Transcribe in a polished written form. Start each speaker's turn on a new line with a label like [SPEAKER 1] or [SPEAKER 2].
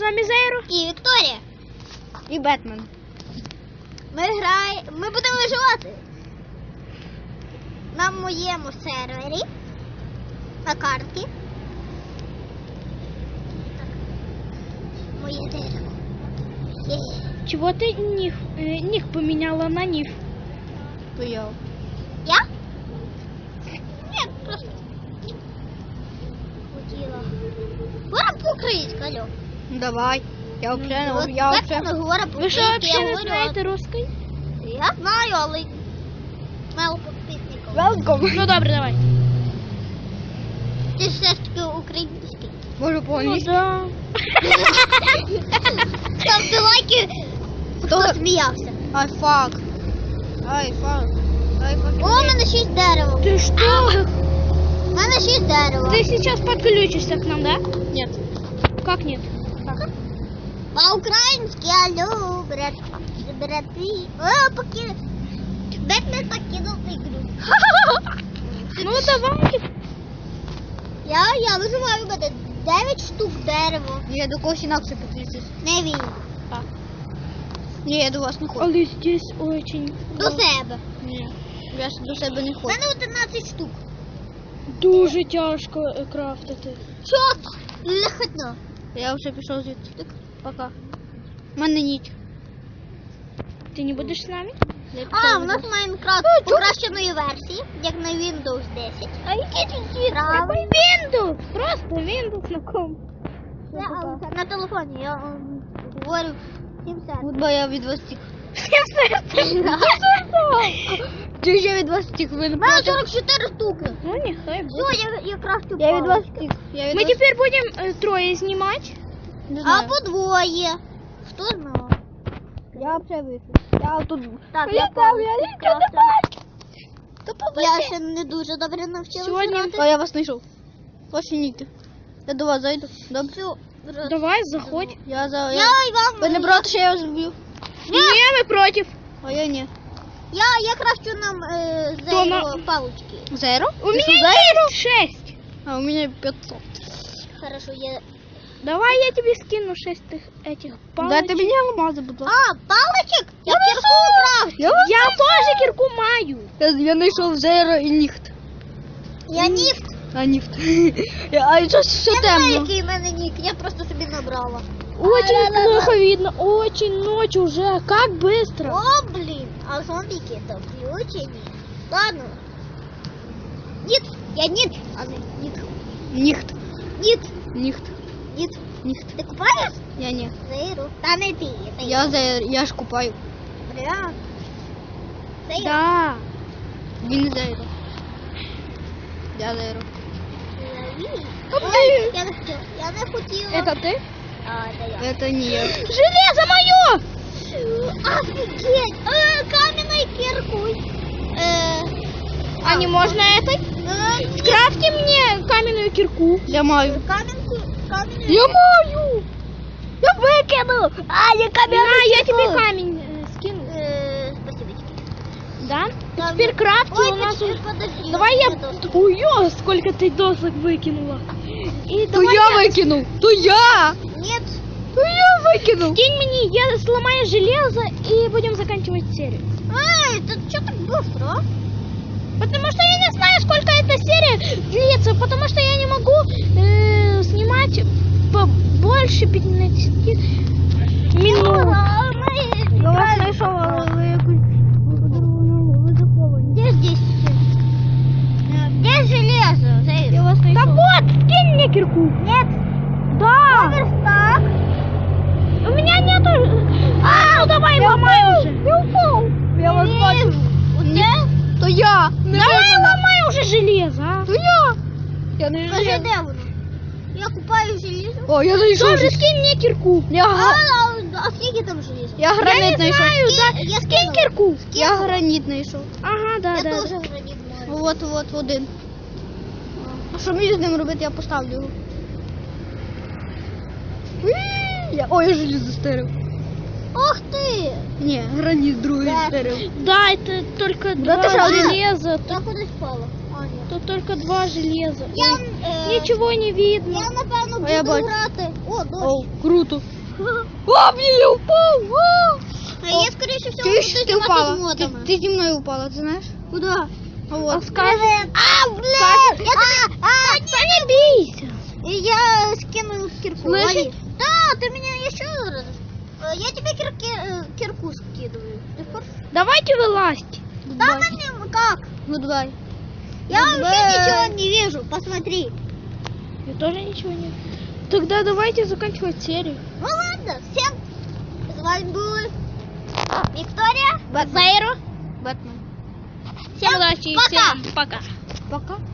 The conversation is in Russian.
[SPEAKER 1] вами Зейро
[SPEAKER 2] І Вікторія.
[SPEAKER 1] і Бетмен.
[SPEAKER 2] Ми будемо виживати на моєму сервері, на карті. Так. Моє дерево.
[SPEAKER 1] Чего ты ник поменяла на ниф?
[SPEAKER 2] Я? Ні, просто хотіла. Говоримо по-українськи, алло.
[SPEAKER 1] Давай. Я вообще
[SPEAKER 2] Ми говоримо
[SPEAKER 1] Вы что,
[SPEAKER 2] по-українськи,
[SPEAKER 1] вообще
[SPEAKER 2] я
[SPEAKER 1] не
[SPEAKER 2] говорю.
[SPEAKER 1] знаете русской?
[SPEAKER 2] Я знаю, але мало підписників.
[SPEAKER 1] Welcome. Ну добре, давай.
[SPEAKER 2] Ти все ж таки український.
[SPEAKER 1] Можу по-англійськи.
[SPEAKER 2] Да. Ставте лайки, хто сміявся.
[SPEAKER 1] Ай, фак. Ай, фак.
[SPEAKER 2] О, у мене 6 дерева.
[SPEAKER 1] Ты что?
[SPEAKER 2] У мене 6 дерева.
[SPEAKER 1] Ты сейчас подключишься к нам, да?
[SPEAKER 2] Нет.
[SPEAKER 1] Как нет?
[SPEAKER 2] По-українськи, алло, брати. О, покинув. Бетмен покинув ігру.
[SPEAKER 1] Ну давай.
[SPEAKER 2] Я виживаю, у мене 9 штук дерева.
[SPEAKER 1] Я до когось інакше підключусь.
[SPEAKER 2] Не він.
[SPEAKER 1] Ні, я до вас не хочу. Але здесь очень...
[SPEAKER 2] До себе.
[SPEAKER 1] Ні, я ж до себе не
[SPEAKER 2] У
[SPEAKER 1] хочу.
[SPEAKER 2] мене 11 штук.
[SPEAKER 1] Дуже тяжко крафтити.
[SPEAKER 2] Що? Легко.
[SPEAKER 1] Я вже пішов звідси. Так, пока. У мене ніч. Ти не будеш з нами?
[SPEAKER 2] А, у нас Майнкрафт покращеної версії, як на Windows 10.
[SPEAKER 1] А який тут
[SPEAKER 2] Правильно.
[SPEAKER 1] Windows? Просто Windows на ком.
[SPEAKER 2] На телефоні я говорю 70.
[SPEAKER 1] От бо я від вас тік. Ти ще від вас тік, ви не
[SPEAKER 2] У мене
[SPEAKER 1] проти?
[SPEAKER 2] 44 штуки.
[SPEAKER 1] Ну, нехай буде.
[SPEAKER 2] Все, я крафтю
[SPEAKER 1] Я від вас
[SPEAKER 2] палочки.
[SPEAKER 1] тік.
[SPEAKER 3] Мы теперь будем трое снимать.
[SPEAKER 1] Не
[SPEAKER 2] А
[SPEAKER 1] знаю.
[SPEAKER 2] по двоє. Хто знав?
[SPEAKER 1] Я вже вийшов. Я тут...
[SPEAKER 2] Так,
[SPEAKER 1] Я
[SPEAKER 2] я
[SPEAKER 1] там, я нічого не бачу.
[SPEAKER 2] Я ще не дуже добре навчилася
[SPEAKER 3] Сьогодні-
[SPEAKER 2] грати.
[SPEAKER 1] А я вас знайшов. Ваші ніки. Я до вас зайду. Добре.
[SPEAKER 2] Все.
[SPEAKER 3] Давай, заходь.
[SPEAKER 1] Я за...
[SPEAKER 2] Я
[SPEAKER 1] Я...
[SPEAKER 2] і вам.
[SPEAKER 1] Ви не проти, що я вас вб'ю?
[SPEAKER 3] Не, мы против.
[SPEAKER 1] А я ні.
[SPEAKER 2] Я крафчу нам
[SPEAKER 3] То на-
[SPEAKER 2] зайво палочки.
[SPEAKER 1] Зеро?
[SPEAKER 3] У меня есть 6.
[SPEAKER 1] А у меня 500.
[SPEAKER 2] Хорошо, я...
[SPEAKER 3] Давай я тебе скину 6 этих палочек.
[SPEAKER 1] Дайте мені алмази, будь ласка.
[SPEAKER 2] А, палочек? Я кирку крафчу.
[SPEAKER 3] Я тоже кирку маю.
[SPEAKER 1] Я знайшов Зеро і Ніхт.
[SPEAKER 2] Я ніфт.
[SPEAKER 1] А Ніхт. А щось ще
[SPEAKER 2] Я не знаю,
[SPEAKER 1] темно.
[SPEAKER 2] який в мене нік, я просто собі набрала.
[SPEAKER 3] Очень плохо видно. Очень ночь уже. Как быстро.
[SPEAKER 2] О, блін, а зомбіки то включені. Ладно. Ніт, я ніт, а не ніт.
[SPEAKER 1] Ніхт.
[SPEAKER 2] Ніт,
[SPEAKER 1] Ніхт.
[SPEAKER 2] ніт.
[SPEAKER 1] Ніхт.
[SPEAKER 2] Ти купаєш?
[SPEAKER 1] Я ні.
[SPEAKER 2] Зайру. Та не ти, це
[SPEAKER 1] Я Зеро, я ж купаю.
[SPEAKER 2] Бля. Це я.
[SPEAKER 3] Да.
[SPEAKER 1] Він не Зеро. Я Зеро.
[SPEAKER 2] Ой, я не хотіла. Я не хотіла.
[SPEAKER 3] Это ты?
[SPEAKER 2] А, це я.
[SPEAKER 1] Это не я.
[SPEAKER 3] Железо мое!
[SPEAKER 2] Офигеть! Каменной киркой.
[SPEAKER 3] А не можно этой? Скрафти мне каменную кирку.
[SPEAKER 1] Я маю.
[SPEAKER 2] Каменную.
[SPEAKER 1] Я маю! Я викину! А, я
[SPEAKER 3] На, я тебе камень скину.
[SPEAKER 2] Спасибочки.
[SPEAKER 3] Да?
[SPEAKER 2] Да,
[SPEAKER 3] Теперь
[SPEAKER 2] ну.
[SPEAKER 3] крафти
[SPEAKER 2] Ой,
[SPEAKER 3] у нас...
[SPEAKER 2] подожди.
[SPEAKER 3] Давай я...
[SPEAKER 2] доску.
[SPEAKER 3] Ой, сколько ты досок выкинула. И
[SPEAKER 1] То
[SPEAKER 3] давай
[SPEAKER 1] я викинув! То я!
[SPEAKER 2] Нет.
[SPEAKER 1] То я викинув!
[SPEAKER 3] Кинь мне, я сломаю железо и будем заканчивать серию.
[SPEAKER 2] Эй, ты что так быстро? А?
[SPEAKER 3] Потому что я не знаю, сколько эта серия длится, потому что я не могу снимать больше 15 минут.
[SPEAKER 1] Я вас знайшов, але ви якось... Ви заховані.
[SPEAKER 2] Где здесь? Где железо?
[SPEAKER 1] Я вас
[SPEAKER 3] Да
[SPEAKER 1] знайшов.
[SPEAKER 3] вот, скинь мне кирку.
[SPEAKER 2] Нет.
[SPEAKER 3] Да.
[SPEAKER 2] Верстак.
[SPEAKER 3] У меня нету... ну давай ломай уже.
[SPEAKER 1] Я упав. Я вас бачу. То я!
[SPEAKER 3] Давай ломай уже железо, а.
[SPEAKER 1] То я! Я не
[SPEAKER 2] Скажи,
[SPEAKER 1] железо.
[SPEAKER 2] де воно? Я купаю железо.
[SPEAKER 1] О, я знайшов.
[SPEAKER 3] Добре, скинь мне кирку.
[SPEAKER 2] А скільки там железо?
[SPEAKER 1] Я гранит знайшов.
[SPEAKER 2] Я
[SPEAKER 3] Скинь
[SPEAKER 2] скинув.
[SPEAKER 3] кирку.
[SPEAKER 1] Я граніт знайшов.
[SPEAKER 3] Ага, да,
[SPEAKER 2] Я
[SPEAKER 3] да.
[SPEAKER 2] теж граніт маю.
[SPEAKER 1] От один. А що мені з ним робити? Я поставлю його. Ой, я желізо стерив.
[SPEAKER 2] Ух ты!
[SPEAKER 1] Не, границ другой
[SPEAKER 2] Да.
[SPEAKER 1] истории.
[SPEAKER 3] Да, это только
[SPEAKER 1] Да
[SPEAKER 3] два
[SPEAKER 1] ты что,
[SPEAKER 3] железа.
[SPEAKER 2] Я куда спала? А, нет.
[SPEAKER 3] Тут только два железа.
[SPEAKER 2] Я,
[SPEAKER 3] Ничего не видно.
[SPEAKER 2] я напевно,
[SPEAKER 1] А я
[SPEAKER 2] буду
[SPEAKER 1] бачу.
[SPEAKER 2] грати. О, дощ.
[SPEAKER 1] О, круто. О, блин, я упал. О!
[SPEAKER 2] А я, скоріше всього,
[SPEAKER 1] Ты,
[SPEAKER 2] буду
[SPEAKER 1] ты
[SPEAKER 2] знімати
[SPEAKER 1] упала.
[SPEAKER 2] з модами.
[SPEAKER 1] Ты земной упала, ты знаешь?
[SPEAKER 2] Куда?
[SPEAKER 1] Вот.
[SPEAKER 3] Скажи.
[SPEAKER 2] А, блин!
[SPEAKER 3] Да не бейся.
[SPEAKER 2] Я скинул кирку.
[SPEAKER 3] Слышишь?
[SPEAKER 2] Лови. Да, ты меня еще раз. Я тебе кирку скидываю. Ты хочешь?
[SPEAKER 3] Давайте вылазьте.
[SPEAKER 2] Да, на нем как?
[SPEAKER 1] Гудбай.
[SPEAKER 2] Я вообще
[SPEAKER 1] Гудбай.
[SPEAKER 2] ничего не вижу. Посмотри.
[SPEAKER 3] Я тоже ничего не... Тогда давайте заканчивать серию.
[SPEAKER 2] Ну ладно, всем. С вами была Виктория.
[SPEAKER 1] Бэтмен. Бэтмен.
[SPEAKER 3] Всем удачи и
[SPEAKER 2] пока.
[SPEAKER 3] всем пока.
[SPEAKER 1] Пока.